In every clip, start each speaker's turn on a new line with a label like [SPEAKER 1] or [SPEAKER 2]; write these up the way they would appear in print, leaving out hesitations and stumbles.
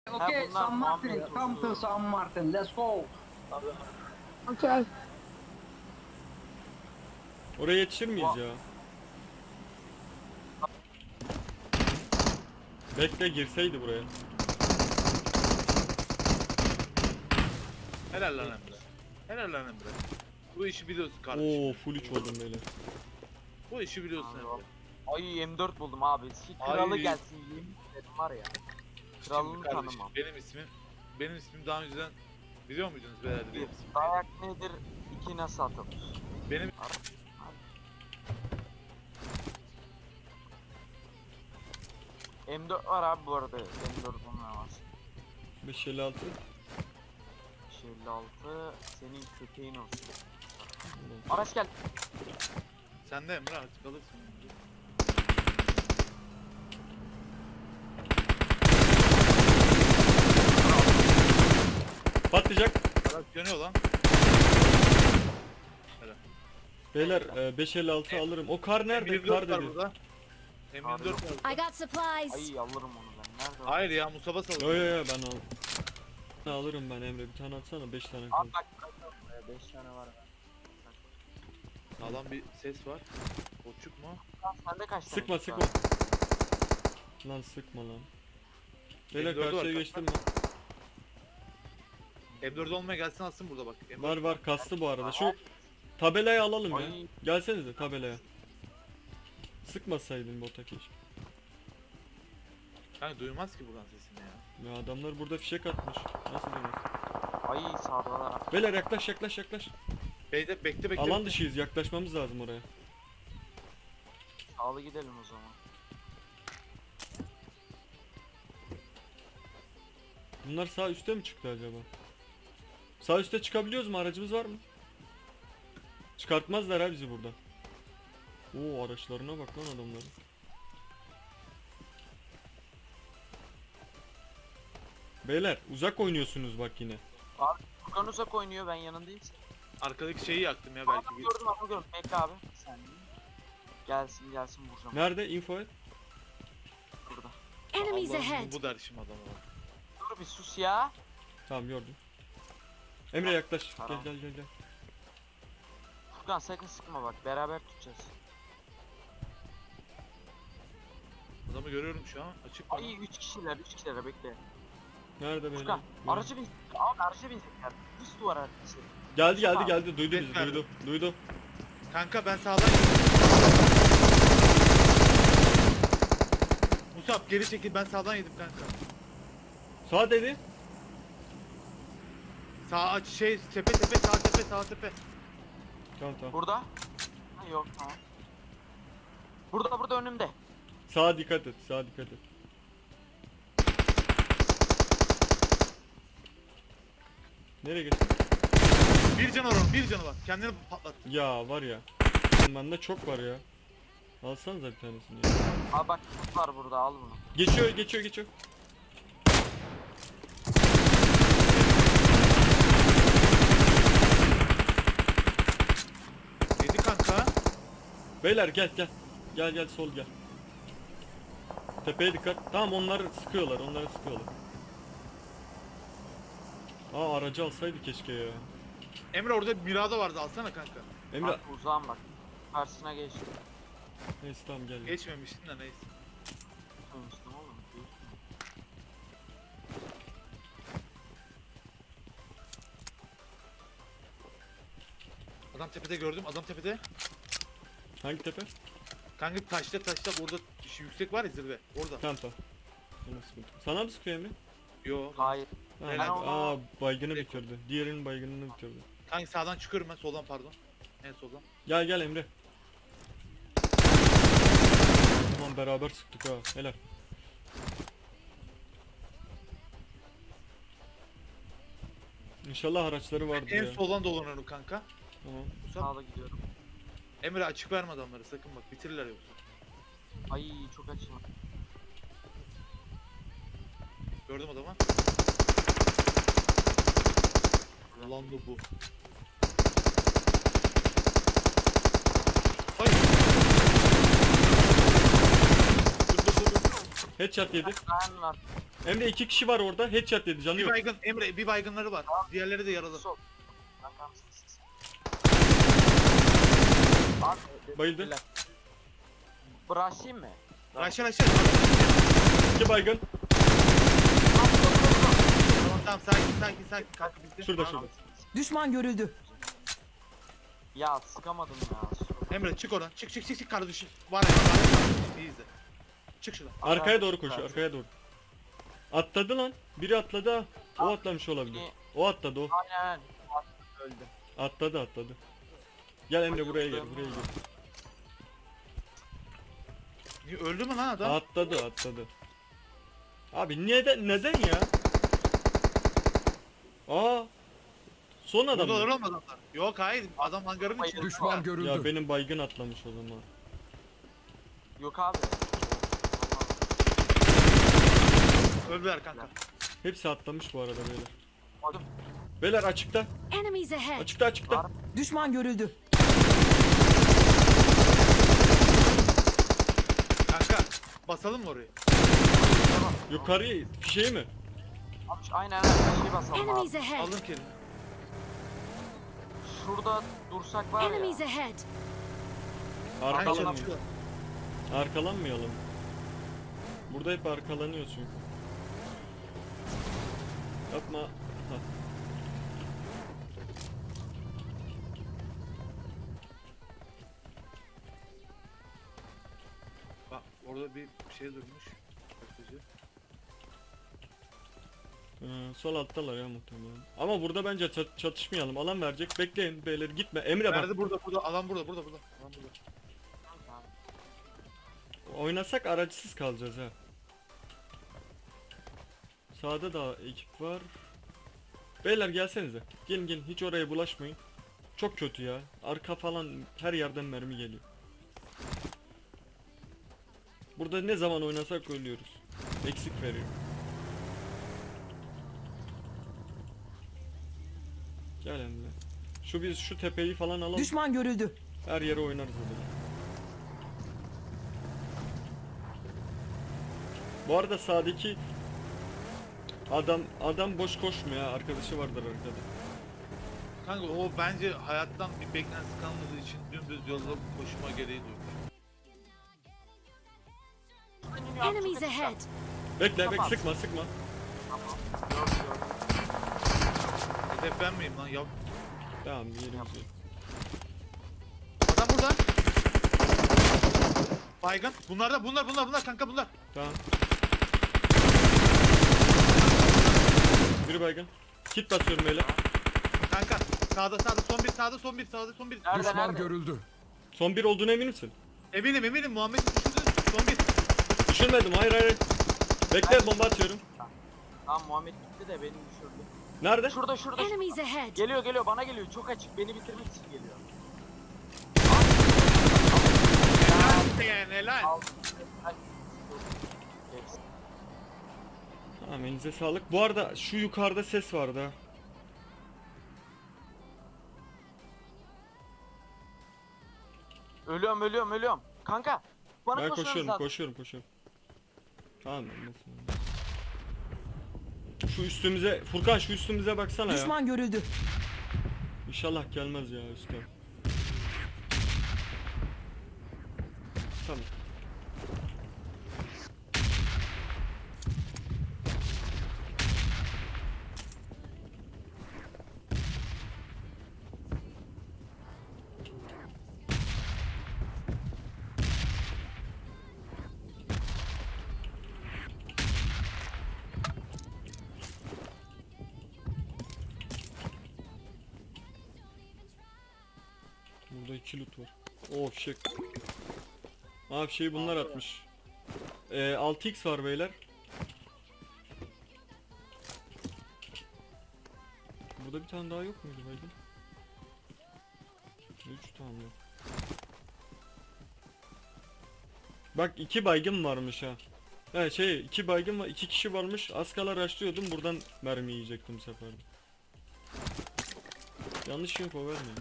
[SPEAKER 1] Okay,
[SPEAKER 2] bunlar
[SPEAKER 1] San Martin,
[SPEAKER 2] Muhammed
[SPEAKER 1] come to San Martin, let's go.
[SPEAKER 3] Okay.
[SPEAKER 4] Oraya yetişir miyiz ya? Bekle girseydi buraya.
[SPEAKER 5] Helal lan Emre. Helal lan Emre. Bu işi biliyorsun kardeşim.
[SPEAKER 4] Oo full 3 oldum böyle.
[SPEAKER 5] Bu işi biliyorsun Emre.
[SPEAKER 2] Ay M4 buldum abi. Şu kralı
[SPEAKER 5] Ay.
[SPEAKER 2] gelsin yemin ederim var ya. Kralını
[SPEAKER 5] Şimdi kardeşim,
[SPEAKER 2] tanımam.
[SPEAKER 5] benim ismim daha önceden biliyor muydunuz beyler benim ismimi?
[SPEAKER 2] Dayak nedir? 2 nasıl atılır?
[SPEAKER 5] Benim
[SPEAKER 2] M4 var abi bu arada. M4 olmaz.
[SPEAKER 4] 556.
[SPEAKER 2] 56 senin köpeğin olsun. Araç gel.
[SPEAKER 5] sen de Emre artık alırsın.
[SPEAKER 4] Patlayacak.
[SPEAKER 5] Araç dönüyor lan. Helal.
[SPEAKER 4] Beyler 556 alırım. O kar nerede?
[SPEAKER 5] M24
[SPEAKER 4] Kar
[SPEAKER 5] var
[SPEAKER 4] dedi.
[SPEAKER 5] burada. M24 var
[SPEAKER 6] I
[SPEAKER 5] burada.
[SPEAKER 6] got supplies.
[SPEAKER 2] Ay alırım onu ben. Nerede o?
[SPEAKER 5] Hayır ya Mustafa salın.
[SPEAKER 4] Yo yo yo ben al. Ne alırım ben Emre bir tane atsana 5 tane kaldı.
[SPEAKER 2] Abi bak 5 tane var.
[SPEAKER 5] Sağlam bir ses var. Koçuk mu?
[SPEAKER 2] Lan sende kaç tane?
[SPEAKER 4] Sıkma
[SPEAKER 2] var?
[SPEAKER 4] sıkma. Lan sıkma lan. Beyler
[SPEAKER 5] M4 var,
[SPEAKER 4] karşıya
[SPEAKER 5] kaç
[SPEAKER 4] geçtim ben.
[SPEAKER 5] M4 olmaya gelsin alsın burada bak. M4
[SPEAKER 4] Var var kastı bu arada. Şu tabelayı alalım ya.
[SPEAKER 2] Ay.
[SPEAKER 4] Gelsenize tabelaya. Sıkmasaydın bota keşke.
[SPEAKER 5] Kanka duymaz ki buradan sesini ya.
[SPEAKER 4] Ya adamlar burada fişek atmış. Nasıl demez?
[SPEAKER 2] Ay sağdalar.
[SPEAKER 4] Beyler yaklaş yaklaş yaklaş.
[SPEAKER 5] Bekle.
[SPEAKER 4] Alan dışıyız yaklaşmamız lazım oraya.
[SPEAKER 2] Sağlı gidelim o zaman.
[SPEAKER 4] Bunlar sağ üste mi çıktı acaba? Sağ üste çıkabiliyoruz mu? Aracımız var mı? Çıkartmazlar ha bizi buradan. Oo araçlarına bak lan adamların. Beyler uzak oynuyorsunuz bak yine.
[SPEAKER 2] Furkan uzak oynuyor ben yanındayım.
[SPEAKER 5] Arkadaki şeyi yaktım ya
[SPEAKER 2] Abi
[SPEAKER 5] belki bir.
[SPEAKER 2] gördüm abi gördüm. Bekle abi. Sen gelsin vuracağım.
[SPEAKER 4] Nerede? Info et.
[SPEAKER 2] Burada.
[SPEAKER 6] Enemies
[SPEAKER 5] Allah'ım,
[SPEAKER 6] ahead.
[SPEAKER 5] bu derişim adamı bak.
[SPEAKER 2] Dur bir sus ya.
[SPEAKER 4] Tamam gördüm. Emre yaklaş.
[SPEAKER 2] Tamam.
[SPEAKER 4] Gel.
[SPEAKER 2] Furkan sakın sıkma bak beraber tutacağız.
[SPEAKER 5] Adamı görüyorum şu an. Açık bana.
[SPEAKER 2] Ay 3 kişiler bekle.
[SPEAKER 4] Nerede beyler?
[SPEAKER 2] Furkan aracı bin. Abi aracı binecekler. Üst duvar arkası.
[SPEAKER 4] Geldi. Duydu
[SPEAKER 5] Ses
[SPEAKER 4] bizi.
[SPEAKER 5] verdim.
[SPEAKER 4] Duydu.
[SPEAKER 5] Kanka ben sağdan Musab geri çekil ben sağdan yedim kanka.
[SPEAKER 4] Sağ dedi.
[SPEAKER 5] Sağ aç tepe sağ tepe.
[SPEAKER 4] Tamam.
[SPEAKER 2] Burada. Ha, yok tamam. Burada önümde.
[SPEAKER 4] Sağa dikkat et. Nereye geçtin?
[SPEAKER 5] Bir canı var. Kendini patlat.
[SPEAKER 4] Ya var ya. Bende çok var ya. Alsanıza bir tanesini ya.
[SPEAKER 2] Abi bak kurt var burada al bunu.
[SPEAKER 4] Geçiyor.
[SPEAKER 5] Yedi kanka.
[SPEAKER 4] Beyler gel. Gel sol gel. Tepeye dikkat. Tamam onları sıkıyorlar. Aa aracı alsaydı keşke ya.
[SPEAKER 5] Emre orada Mirado vardı alsana kanka.
[SPEAKER 4] Emre.
[SPEAKER 2] Bak uzağım bak. Karşısına geç.
[SPEAKER 4] Neyse tamam gel.
[SPEAKER 5] Geçmemiştin de neyse.
[SPEAKER 2] Konuştum oğlum.
[SPEAKER 5] Adam tepede gördüm. Adam tepede.
[SPEAKER 4] Hangi tepe?
[SPEAKER 5] Kanka taşta orada şu yüksek var ya zirve. Orada.
[SPEAKER 4] Tamam. Sana sıkıntı. Sana mı sıkıyor Emre?
[SPEAKER 5] Yo.
[SPEAKER 2] Hayır.
[SPEAKER 4] Tamam.
[SPEAKER 5] Ben
[SPEAKER 4] Aa baygını bitirdi. Diğerinin baygınını bitirdi.
[SPEAKER 5] Kanka sağdan çıkıyorum ben soldan pardon. En soldan.
[SPEAKER 4] Gel Emre. Tamam beraber sıktık ha. Helal. İnşallah araçları vardır
[SPEAKER 5] En
[SPEAKER 4] ya.
[SPEAKER 5] soldan dolanıyorum kanka.
[SPEAKER 4] Tamam.
[SPEAKER 5] Musab.
[SPEAKER 2] Sağda gidiyorum.
[SPEAKER 5] Emre açık verme adamları sakın bak bitirirler yoksa.
[SPEAKER 2] Ay çok açım.
[SPEAKER 5] Gördüm adamı. Ulan da bu. Hayır. Dur.
[SPEAKER 4] Headshot yedi.
[SPEAKER 2] Ben var.
[SPEAKER 4] Emre 2 kişi var orada. Headshot dedi. Canı
[SPEAKER 5] Bir
[SPEAKER 4] yok.
[SPEAKER 5] baygın Emre, bir baygınları var. Diğerleri de yaralı.
[SPEAKER 2] Sol. Kankam siz.
[SPEAKER 4] Bayıldı.
[SPEAKER 2] Bırakayım mı?
[SPEAKER 5] Aşağı aşağı.
[SPEAKER 4] 2 baygın.
[SPEAKER 5] Tamam sakin kanka bitti.
[SPEAKER 4] Şurada şurada.
[SPEAKER 6] Düşman görüldü.
[SPEAKER 2] Ya sıkamadım ya.
[SPEAKER 5] Emre çık oradan. Çık kardeşim. Var İyi izle. Çık şuradan.
[SPEAKER 4] Arkaya doğru koşuyor. Arkaya doğru. Atladı lan. Biri atladı ha. O atlamış olabilir. O atladı o.
[SPEAKER 2] Aynen. Öldü.
[SPEAKER 4] Atladı. Gel Emre buraya gel. Buraya gel.
[SPEAKER 5] Niye öldü mü lan adam?
[SPEAKER 4] Atladı. Abi neden ya? Aa. Son adam.
[SPEAKER 5] Burada
[SPEAKER 4] mı?
[SPEAKER 5] olmadı adamlar. Yok hayır adam hangarın içinde.
[SPEAKER 3] Düşman görüldü.
[SPEAKER 4] Ya benim baygın atlamış o zaman.
[SPEAKER 2] Yok abi.
[SPEAKER 5] Öldüler kanka.
[SPEAKER 4] Hepsi atlamış bu arada beyler.
[SPEAKER 2] Oğlum,
[SPEAKER 4] Beyler açıkta.
[SPEAKER 7] Enemies ahead!
[SPEAKER 4] Açıkta.
[SPEAKER 6] Düşman görüldü.
[SPEAKER 5] Kanka basalım mı orayı?
[SPEAKER 4] Yukarıya fişeği mi?
[SPEAKER 2] aynen bir şey basalım
[SPEAKER 7] Enemies
[SPEAKER 2] abi.
[SPEAKER 7] ahead!
[SPEAKER 5] Aldım kelini.
[SPEAKER 2] Şurada dursak var ya.
[SPEAKER 7] Enemies ahead!
[SPEAKER 5] Kanka
[SPEAKER 4] Arkalanmayalım.
[SPEAKER 5] şurada.
[SPEAKER 4] Arkalanmayalım. Burada hep arkalanıyor çünkü. Yapma. Hah.
[SPEAKER 5] Bak orada bir şey durmuş. Bakıcı.
[SPEAKER 4] Sol alttalar ya muhtemelen. Ama burada bence çatışmayalım. Alan verecek. Bekleyin beyler gitme. Emre bak.
[SPEAKER 5] Nerede burada alan burada. Alan burada.
[SPEAKER 4] Oynasak aracısız kalacağız ha. Sağda da ekip var. Beyler gelsenize. Gelin hiç oraya bulaşmayın. Çok kötü ya. Arka falan her yerden mermi geliyor. Burada ne zaman oynasak ölüyoruz. Eksik veriyor. Gel Emre. Biz şu tepeyi falan alalım.
[SPEAKER 6] Düşman görüldü.
[SPEAKER 4] Her yere oynarız orada. Bu arada sağdaki adam boş koşmuyor ha. Arkadaşı vardır arkada.
[SPEAKER 5] Kanka o bence hayattan bir beklentisi kalmadığı için dümdüz yolda koşma gereği duymuş.
[SPEAKER 7] Enemies ahead!
[SPEAKER 4] Bekle
[SPEAKER 2] Tamam.
[SPEAKER 4] sıkma.
[SPEAKER 5] Hedef ben miyim lan? Ya
[SPEAKER 4] Tamam bir yerimiz yok.
[SPEAKER 5] adam burada. Baygın. Bunlar kanka bunlar.
[SPEAKER 4] Tamam. Biri baygın. Kit basıyorum beyler.
[SPEAKER 5] Kanka sağda son bir.
[SPEAKER 2] Nerede
[SPEAKER 3] Düşman
[SPEAKER 2] nerede?
[SPEAKER 3] görüldü.
[SPEAKER 4] Son bir olduğuna emin misin?
[SPEAKER 5] Eminim Muhammed düşürdü. Son bir.
[SPEAKER 4] Düşürmedim hayır. Bekle bomba atıyorum.
[SPEAKER 2] Tamam Muhammed gitti de beni düşürdü.
[SPEAKER 4] Nerede?
[SPEAKER 2] Şurada.
[SPEAKER 7] Enemies ahead!
[SPEAKER 2] Geliyor bana geliyor. Çok açık. Beni bitirmek için geliyor.
[SPEAKER 5] Helal.
[SPEAKER 2] Al. Ay. Hepsi.
[SPEAKER 4] Tamam elinize sağlık. Bu arada şu yukarıda ses vardı ha.
[SPEAKER 2] Ölüyorum. Kanka. Bana
[SPEAKER 4] Ben
[SPEAKER 2] koşmanız lazım.
[SPEAKER 4] koşuyorum. Tamam nasıl? Şu üstümüze Furkan şu üstümüze baksana ya.
[SPEAKER 6] Düşman görüldü.
[SPEAKER 4] İnşallah gelmez ya üstten. Tamam. Burada 2 loot var. Oo fişek. Aa fişeği bunlar atmış. 6x var beyler. Burada bir tane daha yok muydu baygın? 3 tane yok. Bak 2 baygın varmış ha. Evet 2 baygın var, 2 kişi varmış. Az kala rushlıyordum, buradan mermi yiyecektim bu sefer de. Yanlış info vermeyin.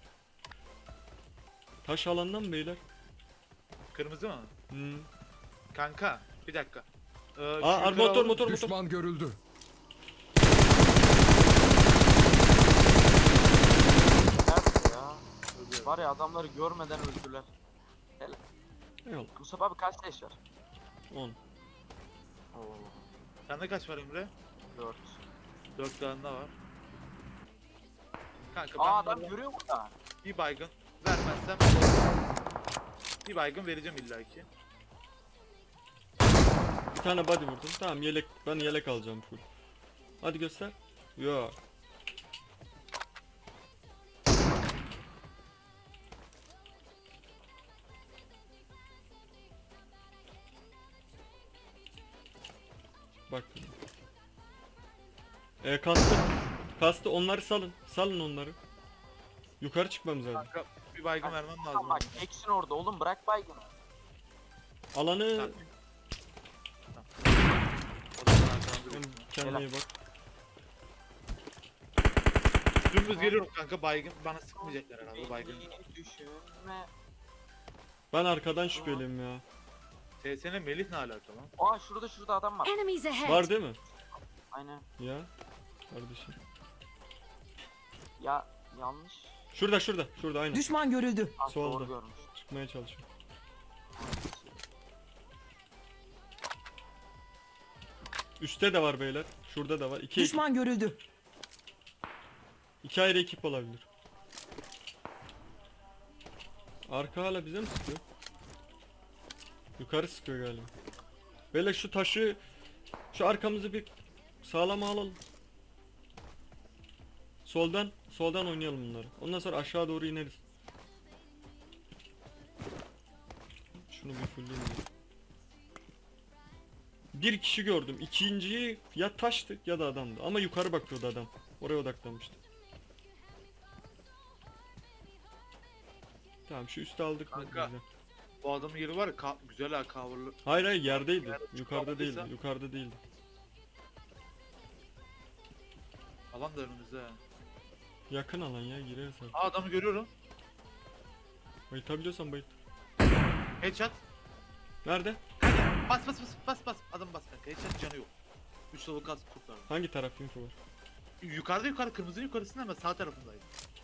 [SPEAKER 4] Taş alandan mı beyler?
[SPEAKER 5] Kırmızı mı?
[SPEAKER 4] Hmm.
[SPEAKER 5] Kanka bir dakika.
[SPEAKER 4] Aa motor.
[SPEAKER 8] Düşman görüldü.
[SPEAKER 2] Nerede ya? Var ya adamları görmeden öldüler.
[SPEAKER 4] Eyvallah.
[SPEAKER 2] Mustafa abi kaç leş var?
[SPEAKER 4] 10.
[SPEAKER 2] Oo,
[SPEAKER 5] Sende kaç var Emre?
[SPEAKER 2] 4.
[SPEAKER 5] 4 tane daha var. Kanka ben
[SPEAKER 2] Aa adam
[SPEAKER 5] bunlara
[SPEAKER 2] görüyor burada.
[SPEAKER 5] bir baygın vermezsem bir baygın vereceğim illaki.
[SPEAKER 4] Bir tane body vurdum. Tamam yelek, ben yelek alacağım full. Hadi göster. Yo. Bak. Kastı onları salın. Salın onları. Yukarı çıkmamız lazım.
[SPEAKER 5] Kanka bir baygın vermem lazım.
[SPEAKER 2] Tamam bak eksin orada oğlum bırak baygını.
[SPEAKER 4] Alanı
[SPEAKER 5] Tamam. O da sana arkadan duruyor.
[SPEAKER 4] kendine iyi bak.
[SPEAKER 5] Dümdüz geliyorum kanka baygın bana sıkmayacaklar herhalde baygın.
[SPEAKER 2] Beni düşünme.
[SPEAKER 4] Ben arkadan şüpheliyim ya.
[SPEAKER 5] TSN Melih ne alaka lan?
[SPEAKER 2] Aa şurada adam var.
[SPEAKER 7] Enemies ahead.
[SPEAKER 4] Var değil mi?
[SPEAKER 2] Aynen.
[SPEAKER 4] Ya. Kardeşim.
[SPEAKER 2] Ya yanlış.
[SPEAKER 4] Şurada aynen.
[SPEAKER 6] Düşman görüldü.
[SPEAKER 2] Ah,
[SPEAKER 4] Solda.
[SPEAKER 2] doğru görmüş.
[SPEAKER 4] Çıkmaya çalışıyor. Üstte de var beyler. Şurada da var.
[SPEAKER 6] Düşman görüldü.
[SPEAKER 4] İki ayrı ekip olabilir. Arka hala bize mi sıkıyor? Yukarı sıkıyor galiba. Beyler şu taşı, şu arkamızı bir sağlama alalım. Soldan oynayalım bunları. Ondan sonra aşağı doğru ineriz. Şunu bir fulleyim ya. Bir kişi gördüm. İkinciyi ya taştı ya da adamdı. Ama yukarı bakıyordu adam. Oraya odaklanmıştı. Tamam şu üstü aldık mı?
[SPEAKER 5] Kanka.
[SPEAKER 4] Güzel.
[SPEAKER 5] Bu adamın yeri var ya güzel ha coverlı.
[SPEAKER 4] Hayır yerdeydi.
[SPEAKER 5] Nerede
[SPEAKER 4] Yukarıda
[SPEAKER 5] çıkamadıysa?
[SPEAKER 4] değildi. Yukarıda değildi.
[SPEAKER 5] Alan da önümüzde ha.
[SPEAKER 4] Yakın alan ya gireriz abi.
[SPEAKER 5] Aa adamı görüyorum.
[SPEAKER 4] Bayıltabiliyorsan bayılt.
[SPEAKER 5] Headshot.
[SPEAKER 4] Nerede?
[SPEAKER 5] Bas. Adam bas kanka. Headshot canı yok. 3 level kas kurtardı.
[SPEAKER 4] Hangi taraf info var?
[SPEAKER 5] Yukarıda kırmızının yukarısında ama sağ tarafındaydı.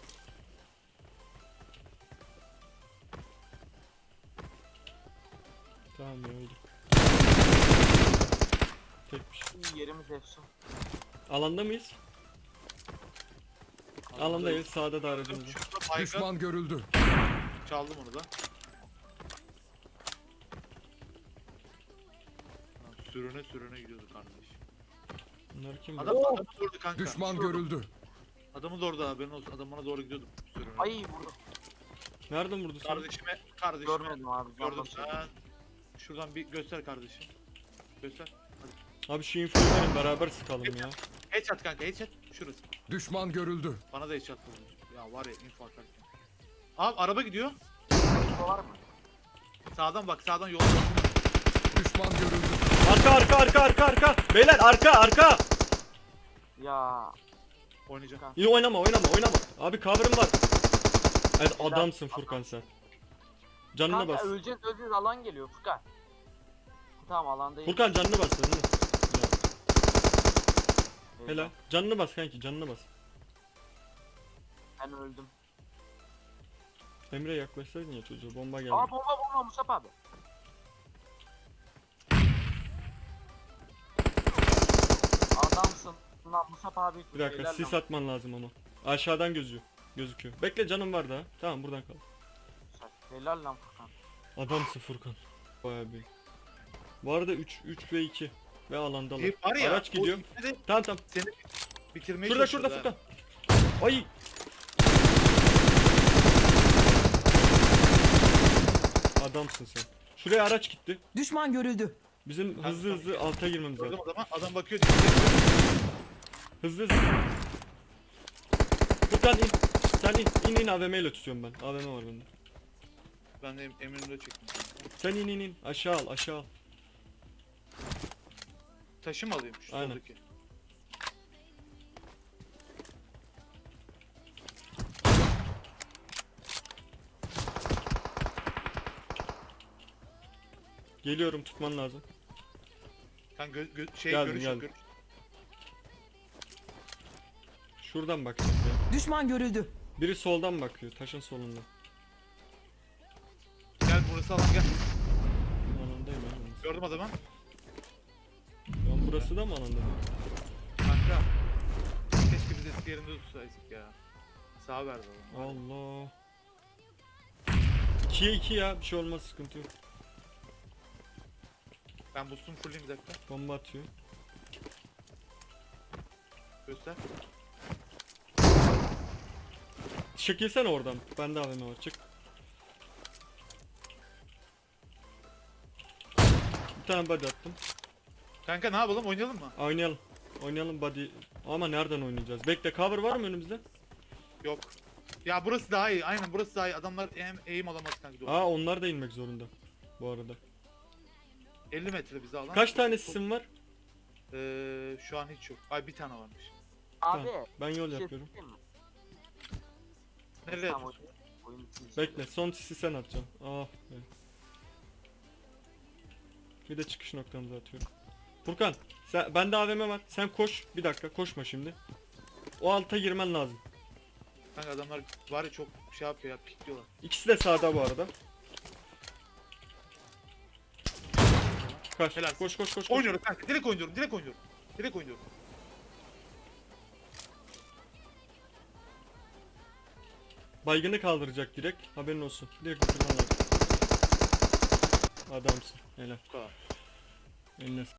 [SPEAKER 4] Tamam ya öldü. Tekmiş.
[SPEAKER 2] İyi yerimiz efsun.
[SPEAKER 4] Alanda mıyız? Alandayız. Sağda da aracımız var.
[SPEAKER 5] Şurada baygın.
[SPEAKER 8] Düşman görüldü.
[SPEAKER 5] Çaldım onu da. Lan sürüne gidiyordu kardeş.
[SPEAKER 4] Bunlar kim?
[SPEAKER 5] Adamı doğru kanka.
[SPEAKER 8] Düşman
[SPEAKER 5] Şurada.
[SPEAKER 8] görüldü.
[SPEAKER 5] Adamı doğru da haberin olsun. Adam bana doğru gidiyordu. Sürüne.
[SPEAKER 2] Ay vurdum.
[SPEAKER 4] Nereden vurdu seni?
[SPEAKER 5] Kardeşime.
[SPEAKER 2] Görmedim abi.
[SPEAKER 5] Gördüm
[SPEAKER 2] vallahi.
[SPEAKER 5] sen. Şuradan bir göster kardeşim. Göster.
[SPEAKER 4] Abi şu infoyu verin beraber sıkalım ya.
[SPEAKER 5] Headshot kanka headshot. Şurası.
[SPEAKER 8] Düşman görüldü.
[SPEAKER 5] Bana da headshot vurdu. Ya var ya info atarken. Abi araba gidiyor.
[SPEAKER 2] Info var mı?
[SPEAKER 5] Sağdan bak sağdan yolda.
[SPEAKER 8] Düşman görüldü.
[SPEAKER 4] Arka. Beyler arka.
[SPEAKER 2] Ya
[SPEAKER 5] Oynayacağım.
[SPEAKER 4] Yine oynama. Abi cover'ım var. Evet adamsın Furkan sen. Canına
[SPEAKER 2] kanka
[SPEAKER 4] bas.
[SPEAKER 2] öleceğiz alan geliyor Furkan. Tamam alandayım.
[SPEAKER 4] Furkan canını bas canını. Ya,
[SPEAKER 2] Eyvah,
[SPEAKER 4] helal. Canını bas kanki canını bas.
[SPEAKER 2] Ben öldüm.
[SPEAKER 4] Emre yaklaşsaydın ya çocuğa bomba geldi.
[SPEAKER 2] Aa bomba Mustafa abi. Adamsın. Lan Mustafa abi.
[SPEAKER 4] Bir dakika
[SPEAKER 2] helal
[SPEAKER 4] sis
[SPEAKER 2] lan.
[SPEAKER 4] atman lazım ama. Aşağıdan gözüküyor. Bekle canım var daha. Tamam buradan kal.
[SPEAKER 2] Helal lan Furkan.
[SPEAKER 4] Adamsın Furkan. Bayağı büyük. Bu arada 3 ve 2 ve alandalar.
[SPEAKER 5] Var ya.
[SPEAKER 4] Araç gidiyor.
[SPEAKER 5] o ikisi de
[SPEAKER 4] Tamam.
[SPEAKER 5] Seni bitirmeye
[SPEAKER 4] Şurada
[SPEAKER 5] çalışıyordu
[SPEAKER 4] Furkan.
[SPEAKER 5] ha.
[SPEAKER 4] Ay. Adamsın sen. Şuraya araç gitti.
[SPEAKER 6] Düşman görüldü.
[SPEAKER 4] Bizim hızlı alta girmemiz lazım.
[SPEAKER 5] Gördüm adamı. Adam bakıyor.
[SPEAKER 4] Hızlı. Furkan in. Sen in AVM ile tutuyorum ben. AVM var bende.
[SPEAKER 5] Ben de eminimde çektim.
[SPEAKER 4] Sen in. Aşağı al.
[SPEAKER 5] Taşı mı alayım şu
[SPEAKER 4] Aynen.
[SPEAKER 5] soldaki?
[SPEAKER 4] Geliyorum, tutman lazım.
[SPEAKER 5] Kanka
[SPEAKER 4] Geldim,
[SPEAKER 5] görüş
[SPEAKER 4] geldim.
[SPEAKER 5] görüş.
[SPEAKER 4] Şuradan bakacağız ya.
[SPEAKER 6] Düşman görüldü.
[SPEAKER 4] Biri soldan bakıyor, taşın solundan.
[SPEAKER 5] Gel burası alan gel.
[SPEAKER 4] Alandayım ben.
[SPEAKER 5] Gördüm adamı.
[SPEAKER 4] Lan burası da mı alanda?
[SPEAKER 5] Kanka. Keşke biz eski yerinde tutsaydık ya. Sağ verdi adam.
[SPEAKER 4] Allah. 2'ye 2 ya, bir şey olmaz, sıkıntı yok.
[SPEAKER 5] Ben boost'umu fulleyim bir dakika.
[SPEAKER 4] Bomba atıyor.
[SPEAKER 5] Göster.
[SPEAKER 4] Çekilsene oradan. Bende AVM var. Çık. Bir tane body attım.
[SPEAKER 5] Kanka ne yapalım, oynayalım mı?
[SPEAKER 4] Oynayalım. Oynayalım body. Ama nereden oynayacağız? Bekle, cover var mı önümüzde?
[SPEAKER 5] Yok. Ya burası daha iyi. Aynen burası daha iyi. Adamlar hem eğim alamaz kanka.
[SPEAKER 4] Aa, onlar da inmek zorunda. Bu arada.
[SPEAKER 5] 50 metre bize alan.
[SPEAKER 4] Kaç tane sisim var?
[SPEAKER 5] Şu an hiç yok. Ay bir tane varmış.
[SPEAKER 2] Abi.
[SPEAKER 4] Tamam, ben yol
[SPEAKER 2] bir şey
[SPEAKER 4] yapıyorum.
[SPEAKER 2] söyleyeyim mi?
[SPEAKER 5] Nereye
[SPEAKER 2] Tamam,
[SPEAKER 5] atıyorsun?
[SPEAKER 2] oyun bitmiş.
[SPEAKER 4] Bekle, son sisi sen atacaksın. Ah be. Bir de çıkış noktamıza atıyorum. Furkan, bende AVM var. Sen koş. Bir dakika, koşma şimdi. O alta girmen lazım.
[SPEAKER 5] Kanka adamlar var ya çok şey yapıyor ya, pikliyorlar.
[SPEAKER 4] İkisi de sağda bu arada. Kaç.
[SPEAKER 5] Helal.
[SPEAKER 4] Koş koş koş. koş.
[SPEAKER 5] Oynuyorum kanka. Direkt oynuyorum. Direkt oynuyorum. Direkt oynuyorum.
[SPEAKER 4] Baygını kaldıracak direkt. Haberin olsun. Direkt bitirmen lazım. Adamsın. Helal.
[SPEAKER 5] Bu kadar.
[SPEAKER 4] Eline sağlık.